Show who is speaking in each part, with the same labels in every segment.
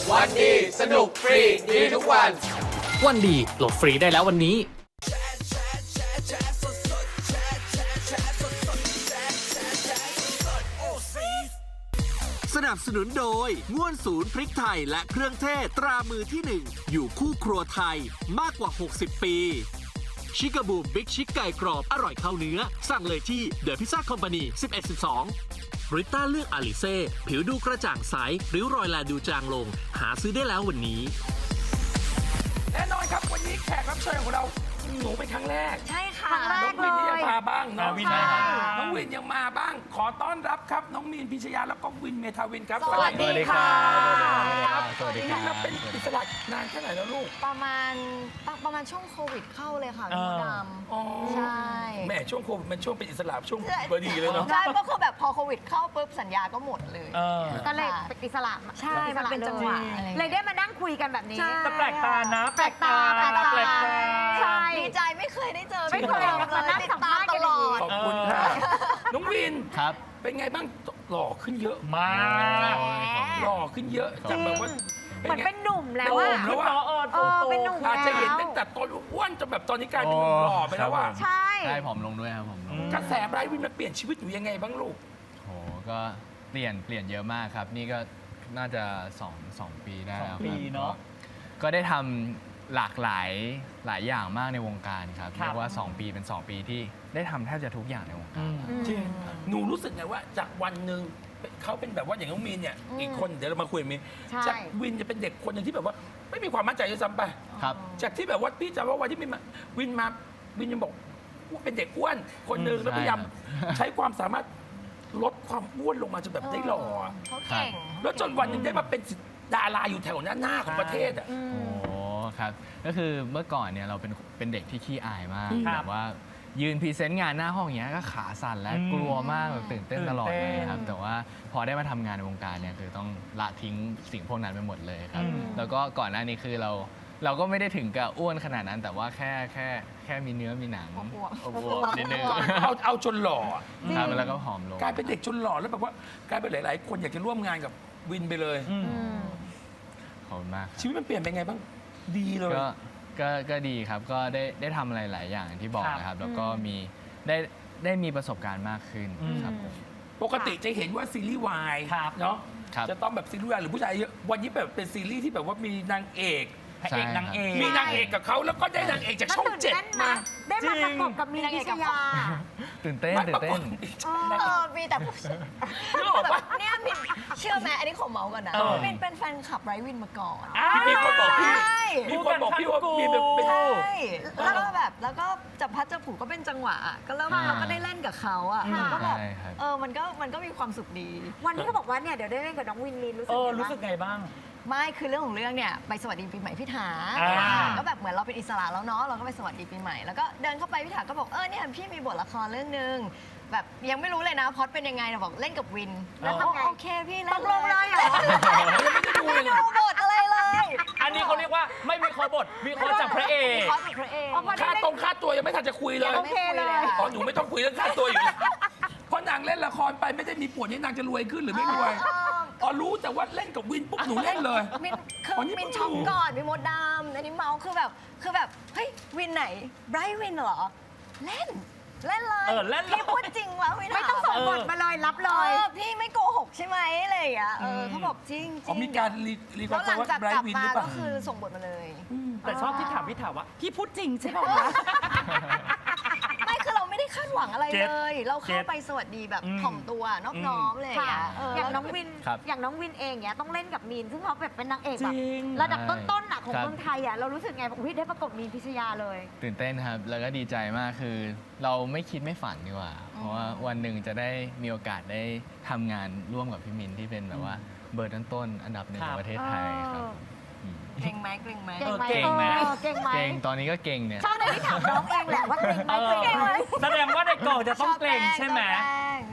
Speaker 1: วันดีสนุกฟรีดีทุกวัน
Speaker 2: วันดีโหลดฟรีได้แล้ววันนี้
Speaker 3: สนับสนุนโดยง่วนศูนย์พริกไทยและเครื่องเทศตรามือที่ 1 อยู่คู่ครัวไทยมากกว่า 60 ปีชิคาบูมบิ๊กชิคไก่กรอบอร่อยเข้าเนื้อสั่งเลยที่เดอะพิซซ่าคอมพานี1112ริต้าเลือกอาลิเซ่ผิวดูกระจ่างใสริ้วรอยแลดูจางลงหาซื้อได้แล้ววันนี้
Speaker 1: แน่นอนครับวันนี้แขกรับเชิญของเราหนูเป็นครั้งแรก
Speaker 4: ใช่ค่ะ
Speaker 1: น้องวินนี่ยังมาบ้างเนาะ
Speaker 5: วินมา
Speaker 1: น้องวินยังมาบ้าง ขอต้อนรับครับน้องมีนพิชยาแล้วก็วินเมทาวินครับ
Speaker 4: สวัสดีค่ะ
Speaker 5: สวัสดีค
Speaker 1: วิ
Speaker 5: รั
Speaker 1: นเราเป็นอิสระนานแค่ไหนแล้วลูก
Speaker 4: ประมาณช่วงโควิดเข้าเลยค่ะพี่มดด
Speaker 1: อ๋อ
Speaker 4: ำใช่
Speaker 1: แหม่ช่วงโควิดมันช่วงเป็นอิสระช่วงพอดีเลยเนาะ
Speaker 4: ใช่ก็คือแบบพอโควิดเข้าปุ๊บสัญญาก็หมดเลย
Speaker 6: ก็เลยเป็นอิสระ
Speaker 4: ใช่มันเป็นจังหวะอะไร
Speaker 6: เลยได้มานั่งคุยกันแบบนี้
Speaker 4: ใช่
Speaker 5: แต่แปลกตานะ
Speaker 6: แปลกตา
Speaker 5: แปลกตา
Speaker 6: ใช่
Speaker 4: ดีใจไม่เคยได้เจอ
Speaker 6: ไม่เคย
Speaker 4: พี่มดดำเลย
Speaker 6: มานั่ง
Speaker 4: ติด
Speaker 6: สัม
Speaker 4: ตา
Speaker 6: ภาม ษณ์
Speaker 4: ต
Speaker 6: กัน
Speaker 4: ล
Speaker 6: อย่าง
Speaker 4: อ
Speaker 6: นี้
Speaker 4: ด
Speaker 1: ขอบคุณค่ะน้องวิน
Speaker 2: ครับ
Speaker 1: เป็นไงบ้างหล่อขึ้นเยอะ
Speaker 5: มา
Speaker 1: หล่อขึ้นเยอะจากแบบว่า
Speaker 6: เหมือนเป็นหนุ่มแล้ว
Speaker 1: ห
Speaker 6: อะ
Speaker 1: นุ่มแล้วอะ
Speaker 6: เป็นหนุ่ม
Speaker 1: อาจจะเห็น
Speaker 6: แล้ว
Speaker 1: ตั้งแต่ตอนอ้วนจนแบบตอนนี้กลายเป็นหนุ่มหล่อไปแล้วว่า
Speaker 6: ใช่
Speaker 2: ใช่ผอมลงด้วยครับผมลง
Speaker 1: กระแสไบรท์วินมันเปลี่ยนชีวิตหนูยังไงบ้างลูก
Speaker 2: โหก็เปลี่ยนเยอะมากครับ นี่ก็น่าจะ2 ปีได้แล้ว
Speaker 5: 2 ปีเนอะ
Speaker 2: ก็ได้ทำหลากหลายอย่างมากในวงการครับ
Speaker 5: ครับ
Speaker 2: เรียกว่า 2 ปีเป็น 2 ปีที่ได้ทำแทบจะทุกอย่างในวงการ
Speaker 1: จริงหนูรู้สึกไงว่าจากวันหนึ่งเขาเป็นแบบว่าอย่างน้องมีนเนี่ยอีกคนเดี๋ยวเรามาคุยกับมีน
Speaker 6: ใช่
Speaker 1: จากวินจะเป็นเด็กคนหนึ่งที่แบบว่าไม่มีความมั่นใจด้วยซ้ำไป
Speaker 2: ครับ
Speaker 1: จากที่แบบว่าพี่จำว่าวันที่วินยังบอกว่าเป็นเด็กอ้วนคนหนึ่งแล้วพยายาม
Speaker 2: ใช่ครับ
Speaker 1: ใช้ความสามารถลดความอ้วนลงมาจนแบบได้หล่ออะ
Speaker 4: เขาเก่ง
Speaker 1: แล้วจนวันหนึ่งได้มาเป็นดาราอยู่แถวหน้าของประเทศอ่ะ
Speaker 2: โอ้ครับ ก็คือเมื่อก่อนเนี่ยเราเป็นเด็กที่ขี้อายมาก
Speaker 5: ครับ
Speaker 2: แบบว่ายืนพรีเซนต์งานหน้าห้องอย่างเงี้ยก็ขาสั่นและกลัวมากแบบตื่นเต้นตลอดเลยครับ แต่ว่าพอได้มาทำงานในวงการเนี่ยคือต้องละทิ้งสิ่งพวกนั้นไปหมดเลยครับ แล้วก็ก่อนหน้านี้คือเราก็ไม่ได้ถึงกับอ้วนขนาดนั้น แต่ว่าแค่มีเนื้อมีหนัง
Speaker 4: อวบ
Speaker 2: อวบๆนิดนึง
Speaker 1: เอาจนหล่ออะ
Speaker 2: ครับแล้วก็ผอมลง
Speaker 1: กลายเป็นเด็กจนหล่อแล้วแบบว่ากลายเป็นหลาย ๆ คนอยากจะร่วมงานกับวินไปเลย
Speaker 2: ขอบคุณมาก
Speaker 1: ชีวิตมันเปลี่ยนไปไงบ้างดีเลย
Speaker 2: ก็ดีครับ ก็ได้ทำอะไรหลายอย่างที่บอกนะครับ แล้วก็ได้มีประสบการณ์มากขึ้นครับผม
Speaker 1: ปกติจะเห็นว่าซีรีส์วาย
Speaker 5: ครับ
Speaker 1: เนาะ
Speaker 2: ครับ
Speaker 1: จะต้องแบบซีรีส์วายหรือผู้ชายเยอะวันนี้แบบเป็นซีรีส์ที่แบบว่ามีนางเอก
Speaker 5: พระเอกนางเอก
Speaker 1: มีนางเอกกับเขาแล้วก็ได้นางเอกจากช่องเจ็ดมา
Speaker 6: ได้มาประกบกับมีนพิชยา
Speaker 2: ตื่นเต้น
Speaker 1: ไม่
Speaker 2: ตื่
Speaker 1: ปราน ก
Speaker 2: เต้
Speaker 1: ฏ
Speaker 2: น
Speaker 4: มีแต่ผู้ชาย
Speaker 1: นึกออกปะ
Speaker 4: เนี่ยมินเชื่อไหมอันนี้ขอเมาส์ก่อนนะ
Speaker 5: เออ
Speaker 4: มินเป็นแฟนคลับไรวินมาก่อน
Speaker 1: มีคนบอกพี่
Speaker 4: ใช่
Speaker 1: มีคนบอกพี่ว่ามีแบบเป็น
Speaker 4: ใช่แล้วก็แบบแล้วก็จับพัดจับผูก็เป็นจังหวะอะก็เริ่มเราก็ได้เล่นกับเขาอ่ะมันก็แบบ
Speaker 2: ใช่ครับ
Speaker 4: มันก็มีความสุขดี
Speaker 6: วันที่เขาบอกว่าเนี่ยเดี๋ยวได้เล่นกับน้องวินลีนรู้สึก
Speaker 5: รู้
Speaker 6: ไง
Speaker 5: สึก
Speaker 6: บ้าง
Speaker 5: ไงบ้าง
Speaker 4: ไม่คือเรื่องของเรื่องเนี่ยไปสวัสดีปีใหม่พี่ถา
Speaker 5: อ่า
Speaker 4: ก็แบบเหมือนเราเป็นอิสระแล้วเนาะเราก็ไปสวัสดีปีใหม่แล้วก็เดินเข้าไปพี่ถาก็บอกเนี่ยพี่มีบทละครเรื่องนึงแบบยังไม่รู้เลยนะพล็อดเป็นยังไงนะบอกเล่นกับวินแล้วทำไงโอเคพี่เล่น
Speaker 6: ตกลงเลยเหรอ
Speaker 4: ไม่ได้ดูบทอะไรเลย
Speaker 5: อันนี้เขาเรียกว่าไม่มีคอบทมีคอจากพระเอก
Speaker 4: พล็อดเป็นพระเอก
Speaker 1: ค่าตัวยังไม่ทันจะคุยเลย
Speaker 4: โอเคเลย
Speaker 1: อ๋อหนูไม่ต้องคุยเรื่องค่าตัวอยู่แล้วเพราะนางเล่นละครไปไม่ได้มีผลให้นางจะรวยขึ้นหรือไม่รวยอ๋อรู้แต่ว่าเล่นกับวินปุ๊บหนูเล่นเลย
Speaker 4: มินคือ
Speaker 1: อ๋อนี่
Speaker 4: มิน
Speaker 1: เพิ่ง
Speaker 4: ช็อก
Speaker 1: รู้
Speaker 4: ก่อนมีมดดำอันนี้เมาส์คือแบบเฮ้ยวินไหนไบรท์วินเหรอเล่นเลย
Speaker 5: เล่นเลย
Speaker 4: พี่พูดจริงวะวิน
Speaker 6: ไม่ต้องส่งบทมาเลยรับเลย
Speaker 4: พี่ไม่โกหกใช่ไหมอะไรอย่างเงี้ยเขาบอกจริง
Speaker 1: อ๋อมีการรีค
Speaker 4: แล้
Speaker 1: อ
Speaker 4: ว
Speaker 1: ร์
Speaker 4: หลัง
Speaker 1: ว่า
Speaker 4: จาก
Speaker 1: ไบร
Speaker 4: กลับ
Speaker 1: ท์วินห
Speaker 4: มา
Speaker 1: รือเป
Speaker 4: ก็
Speaker 1: ล่า
Speaker 4: คือส่งบทมาเลย
Speaker 5: แต่ชอบที่ถามพี่ถามว่าพี่พูดจริงใช่ป่าวะ
Speaker 4: ไม่คือเราไม่ได้คาดหวังอะไร
Speaker 5: เก็ต
Speaker 4: เลย เราเข้า
Speaker 5: เก็ต
Speaker 4: ไปสวัสดีแบบถ่อมตัวนอบน้อมเลย
Speaker 6: ค่ะ อย่างน้อง
Speaker 4: แล้ว
Speaker 6: วิน
Speaker 2: ครับ
Speaker 6: อย่างน้องวินเองเนี่ยต้องเล่นกับมีน ซึ่งเขาแบบเป็นนางเอก
Speaker 5: จ
Speaker 6: แบบ
Speaker 5: ริง
Speaker 6: ระดับต้นๆอะของ
Speaker 2: ครับ
Speaker 6: เมืองไทยอะเรารู้สึกไงบอกอุ๊ยได้ประกบมีนพิชยาเลย
Speaker 2: ตื่นเต้นครับ แล้วก็ดีใจมากคือ เราไม่คิดไม่ฝันดีกว่า เพราะว่าวันหนึ่งจะได้มีโอกาสได้ทำงานร่วมกับพี่มินที่เป็นแบบว่าเบอร์ต้นๆอันดับหนึ่งของประเทศไทยครับอืม
Speaker 4: เก่งไหมเก่งไหม
Speaker 6: เก่งไหม
Speaker 5: เก่งไหม
Speaker 6: เก่งไหม
Speaker 2: เก่งตอนนี้ก็เก่งเนี่ย
Speaker 6: ชอบเลยที่ถามน้องเองแหละว่าเก่งไหมเก่งไหม
Speaker 5: แสดงว่าในกองจะต้องเกรงใช่ไหม
Speaker 4: ชอบแกล้งใช่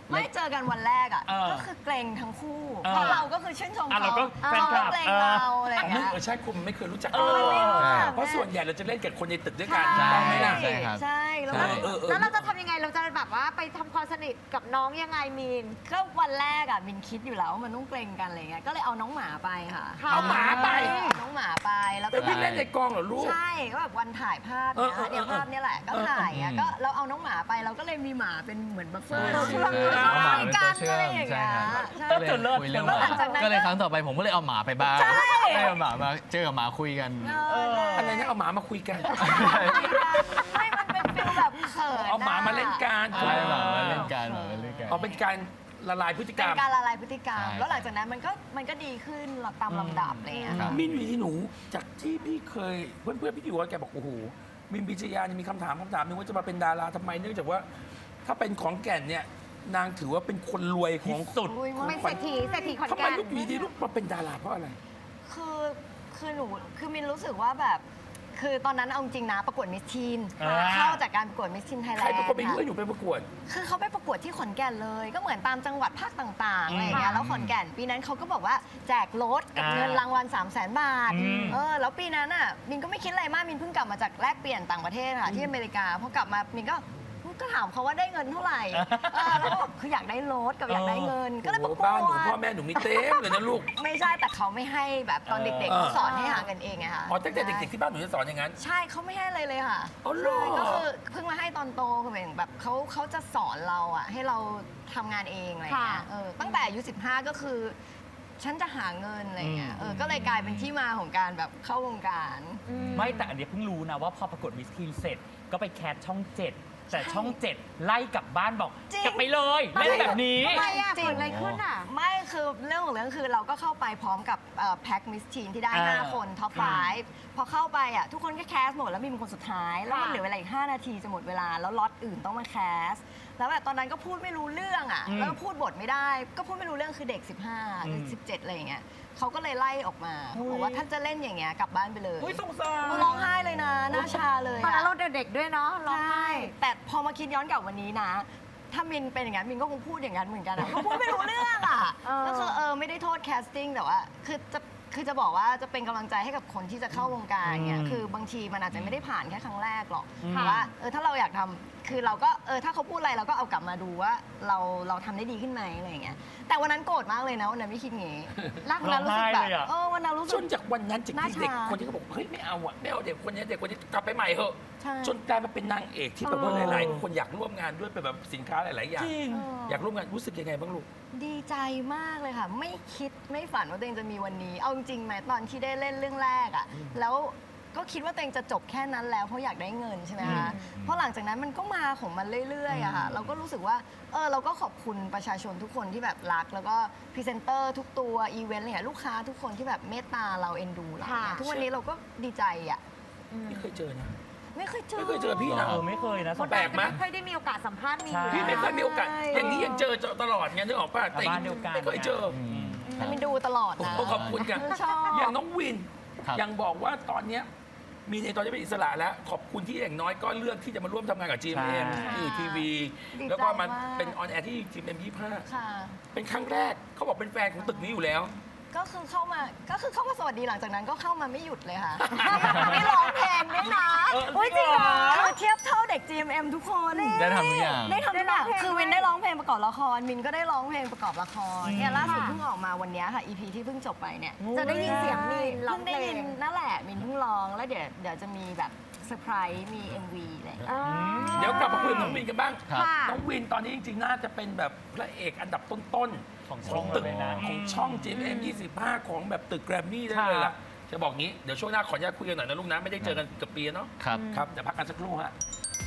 Speaker 4: ไม่เจอกันวันแรกอ่ะ
Speaker 5: เออ
Speaker 4: ก็คือเกรงทั้งคู่
Speaker 5: เออ
Speaker 4: เพราะเราก็คือชื่นชม
Speaker 5: อ่ะ
Speaker 4: เขา
Speaker 5: เราก็แฟน
Speaker 4: เขา
Speaker 5: คลั
Speaker 4: ก็
Speaker 5: บ
Speaker 4: เกรงเราอะไรอย่าง
Speaker 1: ไม่
Speaker 4: เงี้ย
Speaker 1: ใช่คุณไม่เคยรู้จัก
Speaker 5: เอ
Speaker 1: กัน
Speaker 5: อ
Speaker 1: เลย
Speaker 2: ใช่
Speaker 1: เพราะส่วนใหญ่เราจะเล่นกับคนในตึกด้วยกัน
Speaker 2: ใช่
Speaker 1: ต้องไหมล่ะ
Speaker 2: ใช่ครับ
Speaker 4: ใช่แล้ว
Speaker 2: ใช่
Speaker 4: ก็
Speaker 6: แล้วเราจะทำยังไงเราจะแบบว่าไปทำความสนิทกับน้องยังไงมีน
Speaker 4: ก็วันแรกอ่ะมินคิดอยู่แล้วว่ามันต้องเกรงกันอะไรเงี้ยก็เลยเอาน้องหมาไปค่ะ
Speaker 1: เอาหมาไป
Speaker 4: เอาน้องหมาไปแล้ว
Speaker 1: ไป
Speaker 4: ก็
Speaker 1: วิ่งเล่นในกองเหรอลูก
Speaker 4: ใช่ก็แบบวันถ่ายภาพเนี่ย
Speaker 1: เออ
Speaker 4: เนี่ยภาพเนี่ยแหละก็ถ่ายอ่ะ
Speaker 2: เออ
Speaker 4: ก็เราเอาน้องหมาไปเราก็เลยมีหมาเป็นเหมือนบัฟเฟอร์
Speaker 2: ใช่
Speaker 4: เรา
Speaker 2: เอาหมา
Speaker 4: คุย
Speaker 2: เป็น
Speaker 4: กั
Speaker 2: ตัวน เชื่อ
Speaker 4: อะไร
Speaker 2: ม
Speaker 4: อย่าง
Speaker 2: ใช่
Speaker 4: เงี้ย
Speaker 2: ครับ
Speaker 4: ใช่
Speaker 2: ก็เลยคุยเรื่องห
Speaker 4: แล้ว
Speaker 2: มา
Speaker 4: หลังจากนั้น
Speaker 2: ก็เลยครั้งต่อไปผมก็เลยเอาหมาไปบ้าง
Speaker 4: ใช่
Speaker 2: ให้เอาหมามาเจอกับหมาคุยกัน
Speaker 4: เออ
Speaker 1: อะไรนะเอาหมามาคุยกัน
Speaker 4: ไม่มันเป็นฟิลแบบเขิน
Speaker 1: เอาหมามาเล่นกัน
Speaker 2: ใช่หมามาเล่นกันหมามาเล่นกัน
Speaker 1: เอาเป็นการละลายพฤติกร
Speaker 4: เป็
Speaker 1: รม
Speaker 4: นการละลายพฤติกรรม
Speaker 2: ใช่
Speaker 4: แล้วหลังจากนั้นมันก็ดีขึ้นตามลำดับอะไรอย่างเงี้ย
Speaker 2: ครับ
Speaker 1: มินอยู่ที่หนูจากที่พี่เคยเพื่อนๆพี่อยู่กับแกบอกโอ้โหมินพิชยานี่มีคำถามหนึงว่าจะมาเป็นดาราทำไมเนื่องจากว่า ถ้าเป็นของแก่นเนี่ยนางถือว่าเป็นคนรวยของ
Speaker 5: สุด
Speaker 4: อุ้ย
Speaker 6: เป็นเศรษฐีขอน
Speaker 1: ทำไม
Speaker 6: แก่น
Speaker 1: ลูกอยู่ดีลูกมาเป็นดาราเพราะอะไร
Speaker 4: คือหนูคือมินรู้สึกว่าแบบ คือตอนนั้นเอาจริงนะประกวดมิสทีน
Speaker 5: อ่า
Speaker 4: เข้าจากการประกวดมิสทีนไทยแล
Speaker 1: ใคร
Speaker 4: นด์
Speaker 1: เป็นคนไปเลื่อนอยู่ไปประกวด
Speaker 4: คือเขาไปประกวดที่ขอนแก่นเลย ก็เหมือนตามจังหวัดภาคต่างๆอะไรอย่างเงี้ยแล้วขอนแก่นปีนั้นเขาก็บอกว่าแจกรถกับเงินรางวัล 300,000 บาท
Speaker 5: อืม
Speaker 4: แล้วปีนั้นอ่ะมินก็ไม่คิดอะไรมากมินเพิ่งกลับมาจากแลกเปลี่ยนต่างประเทศค่ะที่อเมริกาพอกลับมามินก็ถามเขาว่าได้เงินเท่าไหร่แล้วก็บอกคืออยากได้รถกับอยากได้เงิน ก็เลยประกว
Speaker 1: บ้านหนู
Speaker 4: ด
Speaker 1: พ่อแม่หนูมีเต็มเลยนะลูก
Speaker 4: ไม่ใช่แต่เขาไม่ให้แบบตอนเด็กๆเขาสอนให้หาเงินเองไงคะ
Speaker 1: อ๋อตั้งแต่เด็กๆที่บ้านหนูจะสอนอย่างนั้น
Speaker 4: ใช่เขาไม่ให้อะไรเลยค่ะ
Speaker 1: อ๋อเหรอ
Speaker 4: ใช่ก็คือเพิ่งมาให้ตอนโตคือเหมือนแบบเขาจะสอนเราอะให้เราทำงานเองอะไรอย่างเงี้ย
Speaker 6: ค่ะ
Speaker 4: ตั้งแต่อายุ15 ก็คือ ฉันจะหาเงินอะไรอย่างเงี้ยก็เลยกลายเป็นที่มาของการแบบเข้าวงการ
Speaker 5: ไม่แต่อันเนี้ยเพิ่งรู้นะว่าพอประกวดมิสทีนเสร็จก็ไปแคสช่อง 7 แต่ช่อง 7 ไล่กลับบ้านบอก
Speaker 4: จริง
Speaker 5: กลับไปเลยเล่นแบบนี้
Speaker 6: ทำไมอ่ะ
Speaker 4: จริง
Speaker 6: เกิดอะไรขึ้นอ่ะ
Speaker 4: ไม่คือเรื่องของเรื่องคือเราก็เข้าไปพร้อมกับแพ็คมิสทีนที่ได้
Speaker 5: อ่า
Speaker 4: 5 คนท็อป 5พอเข้าไปอ่ะทุกคนก็แคสหมดแล้วมีเป็นคนสุดท้าย แล้วมันเหลือเวลาอีก5 นาทีจะหมดเวลาแล้วล็อตอื่นต้องมาแคสแล้วแบบตอนนั้นก็พูดไม่รู้เรื่องอ่ะแล้วก็พูดบทไม่ได้ ก็พูดไม่รู้เรื่องคือเด็ก 15หรือ17อะไรอย่างเงี้ยเขาก็เลยไล่ออกมาเขาบอกว่าถ้าจะเล่นอย่างเงี้ยกลับบ้านไปเลย
Speaker 5: อุ้ยสงสาร
Speaker 4: ร้องไห้เลยนะหน้าชาเลย
Speaker 6: ตอนนั้น
Speaker 4: อะ
Speaker 6: เราเด็กๆด้วยเนาะร้อง
Speaker 4: ใช่
Speaker 6: ไห้
Speaker 4: แต่พอมาคิดย้อนกลับวันนี้นะ ถ้ามินเป็นอย่างนั้นมินก็คงพูดอย่างนั้นเหมือนกันอะก็พูดไม่รู้เรื่องอ่ะ ก็คือไม่ได้โทษแคสติ้งแต่ว่าคือจะบอกว่าจะเป็นกำลังใจให้กับคนที่จะเข้าวงการเนี่ยคือบางทีมันอาจจะไม่ได้ผ่านแค่ครั้งแรกหรอกแต่ว่าถ้าเราอยากทำคือเราก็ถ้าเขาพูดอะไรเราก็เอากลับมาดูว่าเราทำได้ดีขึ้นไหมอะไรอย่างเงี้ยแต่วันนั้นโกรธมากเลยนะวันนั้นไม่คิดงี้วันนั้นรู้สึกแบบ
Speaker 5: ร้องไห้เลยอะ
Speaker 4: วันนั้นรู้สึ
Speaker 1: จ
Speaker 4: ก
Speaker 1: นจากวันนั้นจาก
Speaker 4: หน้า
Speaker 1: ที่เด็ก
Speaker 4: ชา
Speaker 1: คนที่เขาบอกเฮ้ยไม่เอาอ่ะไม่เอาเด็กคนนี้กลับไปใหม่เถอะ
Speaker 4: ใช่
Speaker 1: จนกลายมาเป็นนางเอกที่แบบว่าหลายๆคนอยากร่วมงานด้วยเป็นแบบสินค้าหลายๆอย่าง
Speaker 5: จริง
Speaker 1: อยากร่วมงานรู้สึกยังไงบ้างลูก
Speaker 4: ดีใจมากเลยค่ะ ไม่คิดไม่ฝันว่าตัวเองจะมีวันนี้ เอาจริงๆไหมตอนที่ได้เล่นเรื่องแรกอะแล้วก็คิดว่าตัวเองจะจบแค่นั้นแล้วเพราะอยากได้เงินใช่ไหมคะเพราะหลังจากนั้นมันก็มาของมันเรื่อยๆอะค่ะเราก็รู้สึกว่าเราก็ขอบคุณประชาชนทุกคนที่แบบรัก แล้วก็พรีเซนเตอร์ทุกตัวอีเวนต์อะไรเงี้ยลูกค้าทุกคนที่แบบเมตตาเราเอ็นดูเรา
Speaker 6: ค่ะ
Speaker 4: ทุกวันนี้เราก็ดีใจอะ
Speaker 1: ไม่เคยเจอนะ
Speaker 4: ไม่เคยเจอ
Speaker 1: ไม่เคยเจอพี่นะ
Speaker 5: ไม่เคยนะ
Speaker 6: คน
Speaker 1: แปล
Speaker 6: เรา
Speaker 1: ก
Speaker 6: จะ
Speaker 1: ไหม
Speaker 6: ไม่ค่อยได้มีโอกาสสัมภาษณ์มีน
Speaker 5: ใช่
Speaker 1: พี่ไม่เคยมีโอกาส
Speaker 4: ใช่
Speaker 1: อย่างนี้ยังเจอตลอดไงนึกออกป่ะแต่
Speaker 5: บ้านเดียวกัน
Speaker 1: ไม่เคยเจอ
Speaker 4: แต่มินดูตลอด
Speaker 1: โอ้
Speaker 4: นะ
Speaker 1: โหขอบคุณกัน
Speaker 4: ชอบ
Speaker 1: อย่างน้องวิน
Speaker 2: ครับ
Speaker 1: ยังบอกว่าตอนเนี้ยมีในตอนนี้เป็นอิสระแล้ว ขอบคุณที่อย่างน้อยก็เลือกที่จะมาร่วมทำงานกับ GMM
Speaker 5: ใช่
Speaker 1: ที่ทีวี
Speaker 4: ดีใจ
Speaker 1: แล้วก็มา
Speaker 4: าก
Speaker 1: เป็นออนแอร์ที่ GMM 25
Speaker 4: ค่ะ
Speaker 1: เป็นครั้งแรกเขาบอกเป็นแฟนของตึกนี้อยู่แล้ว
Speaker 4: ก็คือเข้ามาสวัสดีหลังจากนั้นก็เข้ามาไม่หยุดเลยค่ะ ไม่ร้องเพลงด้วยนะ
Speaker 6: อุ๊ยจริงเหรอ
Speaker 4: คือเทียบเท่าเด็ก GMM ทุกคน
Speaker 2: ได้ทำทุกอย่าง
Speaker 4: ได้ทำทุกอย่าง
Speaker 6: ได้ร้องเพลง
Speaker 4: คือวินได้ร้องเพลงประกอบละครมินก็ได้ร้องเพลงประกอบละครเนี่ยล่าสุด
Speaker 6: ค่ะ
Speaker 4: เพิ่งออกมาวันเนี้ยค่ะ EP ที่เพิ่งจบไปเนี่ย
Speaker 6: จะได้ยินเสียงมีนร้อง
Speaker 4: เพิ่ง
Speaker 6: เพ
Speaker 4: ได้
Speaker 6: ล
Speaker 4: ยิน
Speaker 6: ง
Speaker 4: นั่นแหละมินเพิ่งร้องแล้วเดี๋ยวจะมีแบบเซอร์ไพรส์มี MV อะไรอย่างเงี้ย
Speaker 1: เดี๋ยวกลับมาคุยกับน้องวินกันบ้าง
Speaker 2: ครับ
Speaker 6: ค่ะ
Speaker 1: น้องวินตอนนี้จริงๆ น่าจะเป็นแบบพระเอกอันดับต้นๆ
Speaker 5: ของช่อง
Speaker 1: ตึก
Speaker 5: เลยนะ
Speaker 1: ของช่อง GMM 25 ของแบบตึกแกรมมี่ได้เลยล่ะ จะบอกงี้ เดี๋ยวช่วงหน้าขออนุญาตคุยกันหน่อยนะลูกนะ ไม่ได้เจอกันเกือบปีแล้วเนาะ
Speaker 2: ครับ
Speaker 1: ครับเดี๋ยวพักกันสักครู่ฮะ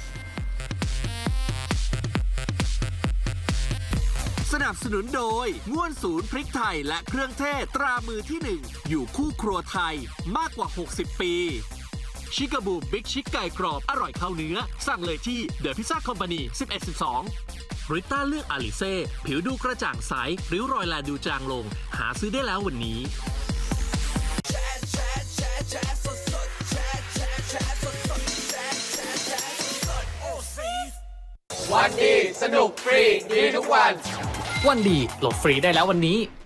Speaker 3: สนับสนุนโดยง่วนศูนย์พริกไทยและเครื่องเทศตรามือที่ 1 อยู่คู่ครัวไทยมากกว่า 60 ปี ชิกาบูบิ๊กชิกไก่กรอบอร่อยเข้าเนื้อ สั่งเลยที่เดอะพิซซ่าคอมพานี1112ริต้าเลือกอาลิเซ่ผิวดูกระจ่างใสริ้วรอยแลดูจางลง หาซื้อได้แล้ววันนี้
Speaker 7: วันดีสนุกฟรีดีทุกวัน
Speaker 8: วันดีโหลดฟรีได้แล้ววันนี้